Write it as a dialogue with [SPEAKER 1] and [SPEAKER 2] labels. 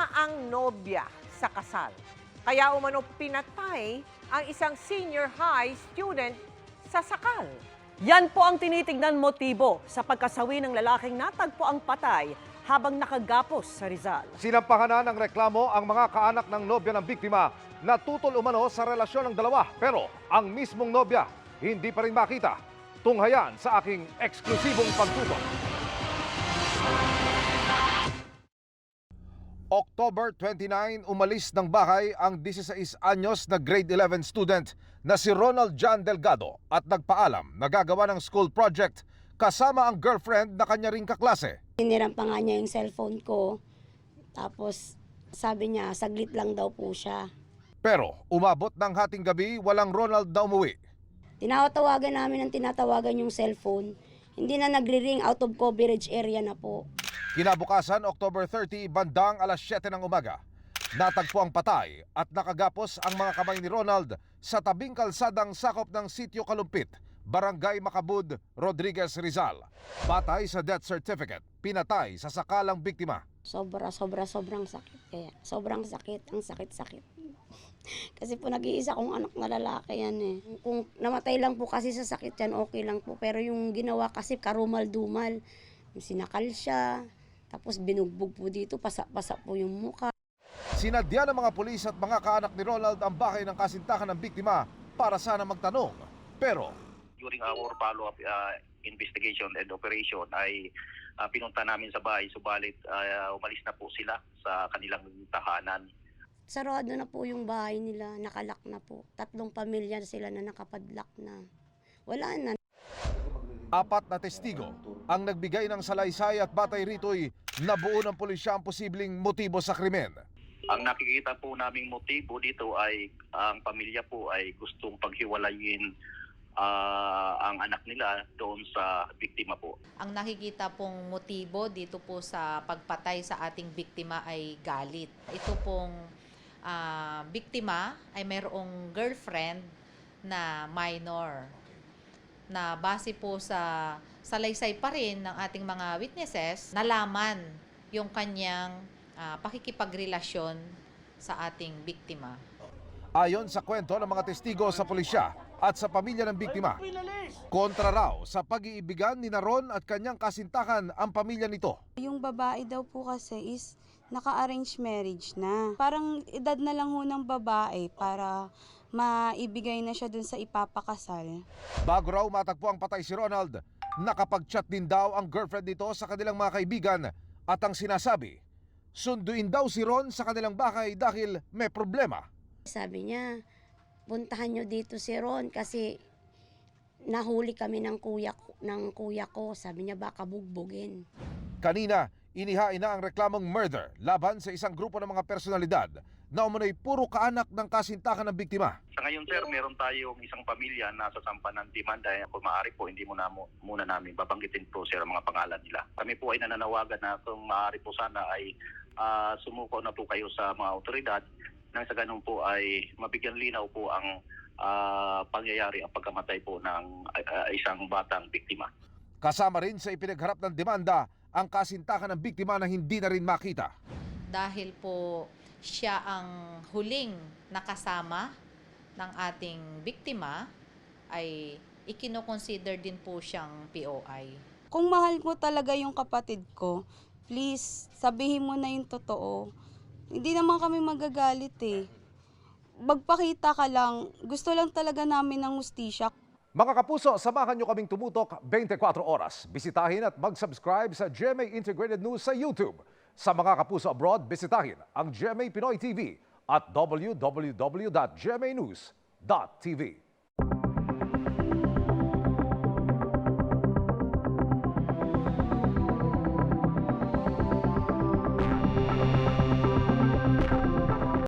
[SPEAKER 1] ang nobya sa kasal. Kaya umano pinatay ang isang senior high student sa sakal.
[SPEAKER 2] Yan po ang tinitignan motibo sa pagkasawi ng lalaking natagpo ang patay habang nakagapos sa Rizal.
[SPEAKER 3] Sinampahan na ng reklamo ang mga kaanak ng nobya ng biktima na tutol umano sa relasyon ng dalawa. Pero ang mismong nobya hindi pa rin makita. Tunghayan sa aking eksklusibong pagtutok. October 29, umalis ng bahay ang 16 anyos na grade 11 student na si Ronald John Delgado at nagpaalam na gagawa ng school project kasama ang girlfriend na kanya ring kaklase.
[SPEAKER 4] Hiniram pa nga niya yung cellphone ko, tapos sabi niya saglit lang daw po siya.
[SPEAKER 3] Pero umabot ng hating gabi, walang Ronald na umuwi.
[SPEAKER 4] Tinatawagan namin ang tinatawagan yung cellphone, hindi na nagre-ring, out of coverage area na po.
[SPEAKER 3] Kinabukasan, October 30, bandang alas 7 ng umaga. Natagpo ang patay at nakagapos ang mga kamay ni Ronald sa tabing kalsadang sakop ng Sitio Kalumpit, Barangay Macabud, Rodriguez, Rizal. Patay sa death certificate, pinatay sa sakalang biktima.
[SPEAKER 4] Sobrang sakit. Kaya sobrang sakit, ang sakit-sakit. Kasi po nag-iisa kong anak na lalaki yan eh. Kung namatay lang po kasi sa sakit yan, okay lang po. Pero yung ginawa kasi karumal-dumal. Sinakal siya, tapos binugbog po dito, pasa-pasa po yung mukha.
[SPEAKER 3] Sinadya ng mga pulis at mga kaanak ni Ronald ang bahay ng kasintahan ng biktima para sana magtanong. Pero
[SPEAKER 5] during our follow-up investigation and operation ay pinunta namin sa bahay, subalit umalis na po sila sa kanilang tahanan.
[SPEAKER 4] Sarado na po yung bahay nila, nakalak na po. 3 pamilya sila na nakapadlak na. Wala na.
[SPEAKER 3] 4 na testigo ang nagbigay ng salaysay at batay rito'y nabuo ng pulisya ang posibleng motibo sa krimen.
[SPEAKER 5] Ang nakikita po naming motibo dito ay ang pamilya po ay gustong paghiwalayin ang anak nila doon sa biktima po.
[SPEAKER 6] Ang nakikita pong motibo dito po sa pagpatay sa ating biktima ay galit. Ito pong biktima ay mayroong girlfriend na minor na base po sa salaysay pa rin ng ating mga witnesses, nalaman yung kanyang pakikipagrelasyon sa ating biktima.
[SPEAKER 3] Ayon sa kwento ng mga testigo sa pulisya at sa pamilya ng biktima, kontra raw sa pag-iibigan ni Ron at kanyang kasintahan ang pamilya nito.
[SPEAKER 7] Yung babae daw po kasi is naka-arrange marriage na. Parang edad na lang ho ng babae para maibigay na siya dun sa ipapakasal.
[SPEAKER 3] Bago raw matagpo ang patay si Ronald, nakapag-chat din daw ang girlfriend nito sa kanilang mga kaibigan at ang sinasabi, sunduin daw si Ron sa kanilang bahay dahil may problema.
[SPEAKER 4] Sabi niya, puntahan nyo dito si Ron kasi nahuli kami ng kuya ko. Sabi niya baka bugbugin.
[SPEAKER 3] Kanina, inihain na ang reklamong murder laban sa isang grupo ng mga personalidad na umano'y puro kaanak ng kasintahan ng biktima.
[SPEAKER 5] Sa ngayon sir, meron tayong isang pamilya na sasampa ng demanda. Kung maaari po, hindi muna namin babanggitin po sir ang mga pangalan nila. Kami po ay nananawagan na kung maaari po sana ay sumuko na po kayo sa mga otoridad nang sa ganun po ay mabigyan linaw po ang pangyayari ang pagkamatay po ng isang batang biktima.
[SPEAKER 3] Kasama rin sa ipinagharap ng demanda ang kasintahan ng biktima na hindi na rin makita.
[SPEAKER 6] Dahil po siya ang huling nakasama ng ating biktima, ay ikinoconsider din po siyang POI.
[SPEAKER 7] Kung mahal mo talaga yung kapatid ko, please, sabihin mo na yung totoo. Hindi naman kami magagalit eh. Magpakita ka lang. Gusto lang talaga namin ng hustisya.
[SPEAKER 3] Mga kapuso, samahan nyo kaming tumutok 24 oras. Bisitahin at mag-subscribe sa GMA Integrated News sa YouTube. Sa mga kapuso abroad, bisitahin ang GMA Pinoy TV at www.gmanews.tv.